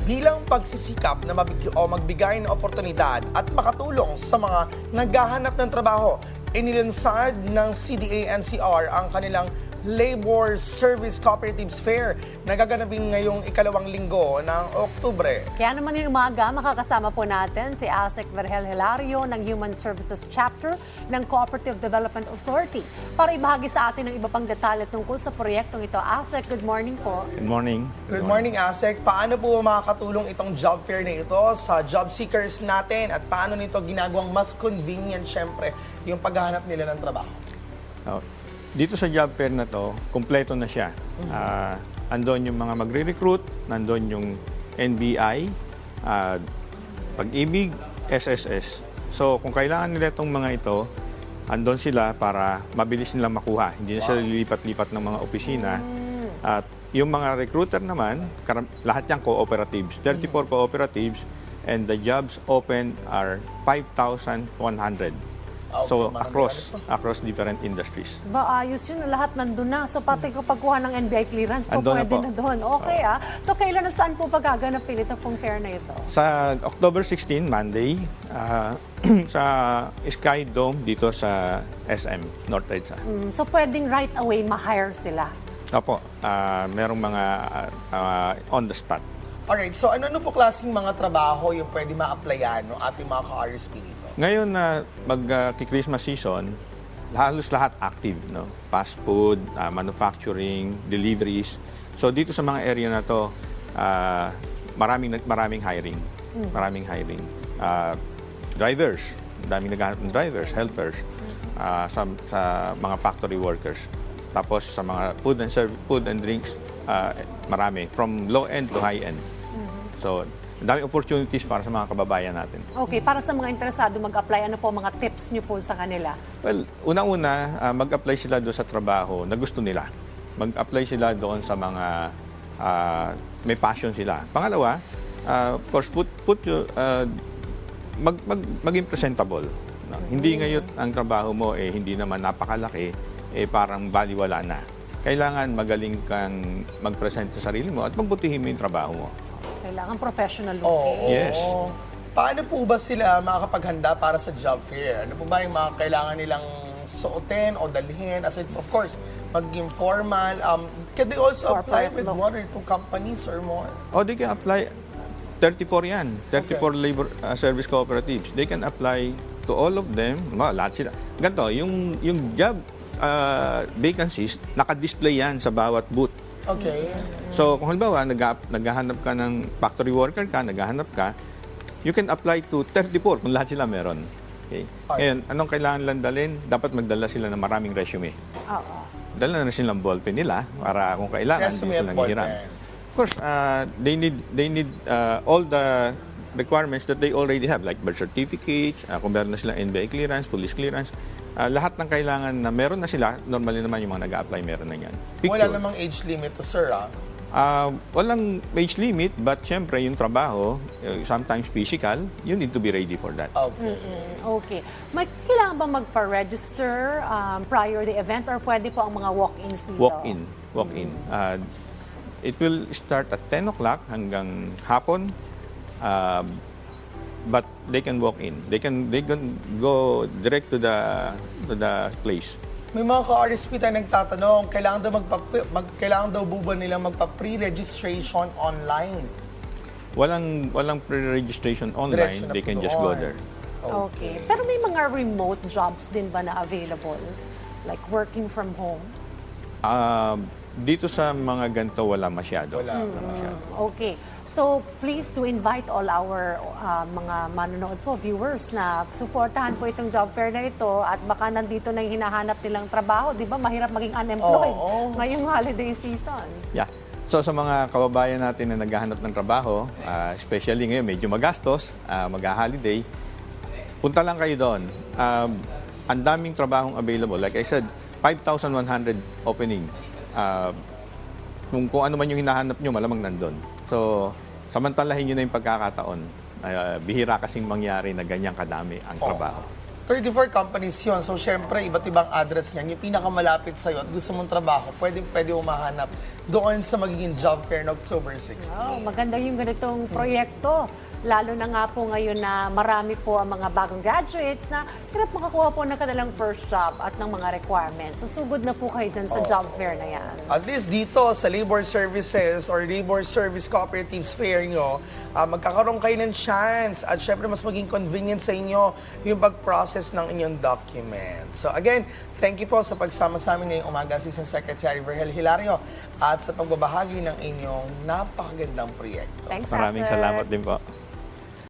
bilang pagsisikap na magbigay ng oportunidad at makatulong sa mga naghahanap ng trabaho. Inilunsad ng CDA-NCR ang kanilang Labor Service Cooperatives Fair na gaganapin ngayong ikalawang linggo ng Oktubre. Kaya naman yung umaga, makakasama po natin si ASEC Vergel Hilario ng Human Services Chapter ng Cooperative Development Authority para ibahagi sa atin ng iba pang detalye tungkol sa proyektong ito. ASEC, good morning po. Good morning. Good morning, ASEC. Paano po makakatulong itong job fair na ito sa job seekers natin at paano nito ginagawang mas convenient, syempre, yung paghahanap nila ng trabaho? Dito sa job fair na to, kumpleto na siya. Andon yung mga magre-recruit, nandun yung NBI, Pag-ibig, SSS. So kung kailangan nila itong mga ito, andon sila para mabilis nilang makuha. Hindi na sila lilipat-lipat ng mga opisina. At yung mga recruiter naman, lahat yung cooperatives. 34 cooperatives and the jobs open are 5,100. So across different industries. Ayos yun, lahat nandun na. So pati ko pagkuha ng NBI clearance po, Andun na pwede po. na doon. Okay So kailan at saan po pagaganapin ito pong fair na ito? Sa October 16, Monday, sa Sky Dome dito sa SM, North EDSA. So pwedeng right away ma-hire sila? Opo, merong mga on the spot. Alright, so ano po klaseng mga trabaho yung pwede ma-applyan ng ating mga ka-RSP dito? Ngayon na mag-Christmas season, halos lahat active, no? Fast food, manufacturing, deliveries. So dito sa mga area na to, maraming hiring. Maraming hiring. Drivers, daming naghahanap ng drivers, helpers, sa mga factory workers. Tapos sa mga food and drinks, marami, from low end to high end. So daming opportunities para sa mga kababayan natin. Okay, para sa mga interesado mag-apply, ano po mga tips niyo po sa kanila? Well, unang-una, mag-apply sila doon sa trabaho na gusto nila. Mag-apply sila doon sa mga may passion sila. Pangalawa, of course, maging presentable. No? Hindi ngayon ang trabaho mo hindi naman napakalaki, parang baliwala na. Kailangan magaling kang mag-present sa sarili mo at magbutihin mo yung trabaho mo. Kailangan professional looking. Yes. Paano po ba sila makakapaghanda para sa job fair? Ano po ba yung mga kailangan nilang suotin o dalhin? As in, of course, maging formal. Can they also apply Corporate with look. 1 or 2 companies or more? They can apply. 34 yan. 34 labor service cooperatives. They can apply to all of them. Lahat sila. Ganito, yung job vacancies, naka-display yan sa bawat booth. Okay. So, kung halimbawa, naghahanap ka ng factory worker ka, naghahanap ka, you can apply to 34 kung lahat sila meron. Okay? Ngayon, anong kailangan lang dalhin? Dapat magdala sila ng maraming resume. Oo. Dala na silang ballpen nila para kung kailangan, Resume hindi at sila nanghihiram. ballpen. Of course, they need all the requirements that they already have, like birth certificates, kung meron na silang NBI clearance, police clearance. Lahat ng kailangan na meron na sila, normally naman yung mga nag-a-apply meron na yan. Wala namang age limit to, sir, Walang age limit, but syempre yung trabaho, sometimes physical, you need to be ready for that. Okay. Okay. May kailangan ba magpa-register prior the event or pwede po ang mga walk-ins dito? Walk-in. It will start at 10 o'clock hanggang hapon, but they can walk in. They can go direct to the place. May mga ka-RSP tayo nagtatanong, kailangan daw ba nilang magpa-pre-registration online? Walang pre-registration online. Diretso na They po can just go doon. there. Okay. Pero may mga remote jobs din ba na available? Like working from home? Dito sa mga ganito, wala masyado. Wala. Masyado. Okay. So, please to invite all our mga manonood po, viewers, na suportahan po itong job fair na ito at baka nandito na yung hinahanap nilang trabaho. Di ba? Mahirap maging unemployed ngayong holiday season. Yeah. So sa mga kababayan natin na naghahanap ng trabaho, especially ngayon medyo magastos, mag-holiday, punta lang kayo doon. Ang daming trabahong available. Like I said, 5,100 opening. Kung ano man yung hinahanap nyo, malamang nandun. So, samantalahin nyo na yung pagkakataon. Bihira kasing mangyari na ganyang kadami ang trabaho. 34 companies yon. So, syempre, iba't ibang address niyan. Yung pinakamalapit sa'yo at gusto mong trabaho, pwede mo mahanap doon sa magiging job fair na October 16. Oh, maganda yung ganitong proyekto. Lalo na nga po ngayon na marami po ang mga bagong graduates na hirap makakuha po ng kanilang first job at ng mga requirements. Susugod na po kayo dyan sa job fair na yan. At least dito sa Labor Services or Labor Service Cooperatives Fair nyo, magkakaroon kayo ng chance at syempre mas maging convenient sa inyo yung pag-process ng inyong documents. So again, thank you po sa pagsama sa amin ngayong umaga, Assistant Secretary Virgel Hilario, at sa pagbabahagi ng inyong napakagandang proyekto. Thanks, Maraming sir. salamat din po.